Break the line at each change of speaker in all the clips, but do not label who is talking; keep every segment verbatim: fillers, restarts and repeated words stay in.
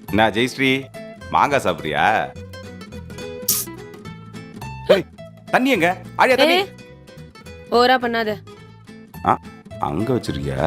என்ன ஜெயஸ்ரீ மாங்காய் சாப்பிட்றியா? தண்ணி எங்க? ஆழியா தண்ணி.
ஓரா பண்ணாத.
ஆ அங்க வச்சிருக்கியா?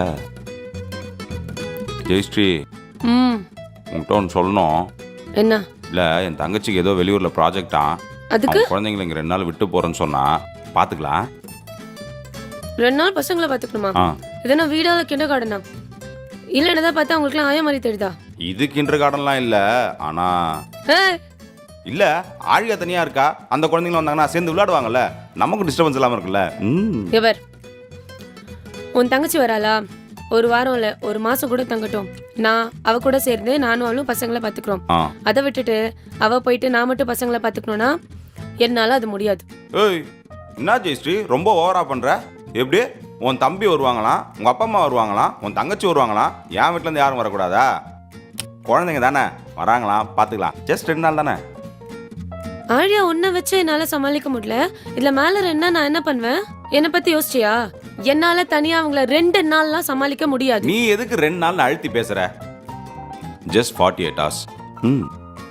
ஜெயஸ்ரீ
ம்
உன்கிட்ட ஒன்று சொல்லணும்.
என்ன?
இல்லை என் தங்கச்சிக்கு ஏதோ வெளியூரில் ப்ராஜெக்டா,
அதுக்கு
குழந்தைங்களை இங்கே ரெண்டு நாள் விட்டு போகிறேன்னு சொன்னா பார்த்துக்கலாம்.
ரெண்டு நாள் பசங்களை பார்த்துக்கணுமா?
ஆ
இதனா வீடால கிண்டர் கார்டனா? இல்லை என்னதான் பார்த்தா அவங்களுக்குலாம் ஆய மாதிரி தெரியுதா?
இது கிண்டர் கார்டன்லாம் இல்லை. ஆனால்
ஏய்
இல்லை ஆழியா தனியாக இருக்கா. அந்த குழந்தைங்களும் வந்தாங்கன்னா சேர்ந்து விளையாடுவாங்கல்ல, நமக்கும் டிஸ்டர்பன்ஸ் இல்லாமல் இருக்குல்ல. ம்
எவர் உன் தங்கச்சி வராளா? ஒரு வாரம் இல்லை ஒரு மாசம் கூட தங்கட்டும். நான் அவ கூட சேர்ந்து நானும் அவளும் பசங்களை பார்த்துக்கிறோம்.
ஆ
அதை விட்டுட்டு அவ போயிட்டு நான் மட்டும் பசங்களை பார்த்துக்கணும்னா என்னால அது முடியாது.
ஏய் என்ன ஜெயஸ்ரீ ரொம்ப ஓவரா பண்ற? எப்படி உன் தம்பி வருவாங்களாம், உங்க அப்பா அம்மா வருவாங்களாம், உன் தங்கச்சி வருவாங்களாம், என் வீட்டுல இருந்து யாரும் வரக்கூடாதா? குழந்தைங்க தானே வராங்களாம், பாத்துக்கலாம். ஜஸ்ட் ரெண்டு நாள் தானே.
ஆழியா உன்னை வச்சு என்னால சமாளிக்க முடியல. இதுல மேல என்ன நான் என்ன பண்ணுவேன்? என்னை பத்தி யோசிச்சியா? என்னால தனியா அவங்கள ரெண்டு நாள்லாம் சமாளிக்க முடியாது.
நீ எதுக்கு ரெண்டு நாள் அழுத்தி பேசுற? Just forty eight hours. ம்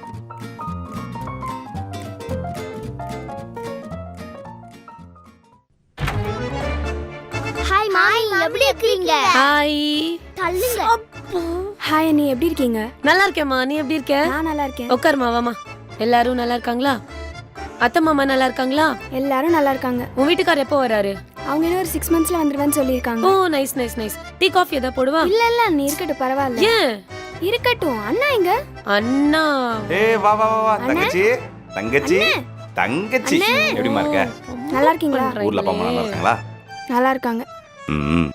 ஹாய் மாமி, எப்படி இருக்கீங்க?
ஹாய்.
தள்ளுங்க.
ஹாய் அண்ணி, எப்படி இருக்கீங்க?
நல்லா இருக்கேம்மா, நீ எப்படி இருக்க?
நான் நல்லா இருக்கேன்.
உட்காருமா வாமா. எல்லாரும் நல்லா இருக்காங்களா? அத்தை மாமா நல்லா இருக்காங்களா?
எல்லாரும் நல்லா இருக்காங்க.
உன் வீட்டுக்காரர் எப்போ வராரு?
அவங்க இன்னும் ஒரு சிக்ஸ் மந்த்ஸ்ல வந்துருவேன்னு சொல்லியிருக்காங்க.
Oh nice nice nice. Tea coffee ஏதாவது போடுவா?
இல்ல இல்ல அண்ணி, இருக்கட்டும், பரவாயில்ல.
ஏன்?
இருக்கட்டும். அண்ணா எங்க?
அண்ணா.
ஏய் வா வா வா வா தங்கச்சி. தங்கச்சி தங்கச்சி எப்படிமா இருக்க?
நல்லா இருக்கீங்களா?
ஊர்ல அப்பா அம்மா நல்லா இருக்காங்களா?
நல்லா இருக்காங்க.
ம்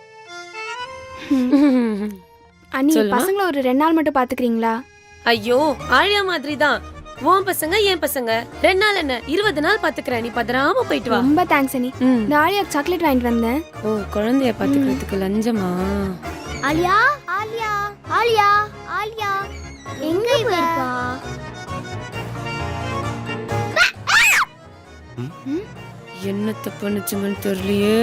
அண்ணி
சொல்லுமா?
பசங்களை ஒரு ரெண்டு நாள் மட்டும் பாத்துக்கிறீங்களா?
ஐயோ ஆழியா மாதிரி தான். உன் பசங்க என் பசங்க ரெண்டு நாள் என்ன இருபது நாள் பாத்துக்கிறேன். நீ பதறாம போயிட்டு வா.
ரொம்ப தேங்க்ஸ் அண்ணி.
ம்.
இந்த ஆலியா சாக்லேட் வாங்கிட்டு வந்தேன்.
ஓ குழந்தைய பாத்துக்கிறதுக்கு லஞ்சமா?
ஆலியா ஆலியா ஆலியா ஆலியா எங்க போயிருப்பா?
என்னத்த பண்ணுச்சுங்கன்னு தெரியலையே.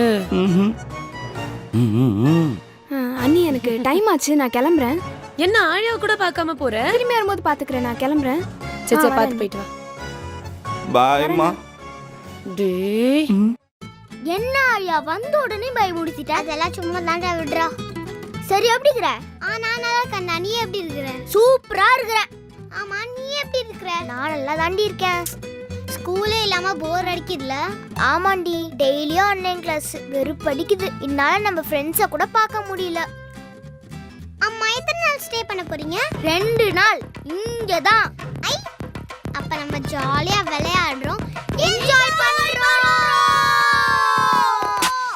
ஆ, அண்ணி எனக்கு டைம் ஆச்சு, நான் கிளம்புறேன்.
என்ன ஆழியாவை கூட பார்க்காம போற?
திரும்பி வரும்போது பாத்துக்கிறேன், நான் கிளம்புறேன்.
சரி
ஆ,
சரி
வரேன்.
பாத்து போயிட்டு வா.
பாய்மா.
டேய்
என்ன ஆலியா வந்த உடனே பய முடிச்சிட்ட? அதெல்லாம் சும்மா தாண்டா விடுறா. சரி எப்படி இருக்கற? ஆ நான் நல்லா இருக்கேன். நீ எப்படி இருக்கற? சூப்பரா இருக்கற. ஆமா நீ எப்படி இருக்கற? நான் நல்லா தாண்டி இருக்கேன். ஸ்கூலே இல்லாம போர் அடிக்குதுல? ஆமாண்டி, டெய்லியும் ஆன்லைன் கிளாஸ் வெறுப்பு அடிக்குது. இதனால நம்ம ஃப்ரெண்ட்ஸை கூட பார்க்க முடியல. அம்மா எத்தனை நாள் ஸ்டே பண்ண போறீங்க? ரெண்டு நாள் இங்க தான். ஐ அப்ப நம்ம ஜாலியா விளையாடுறோம்,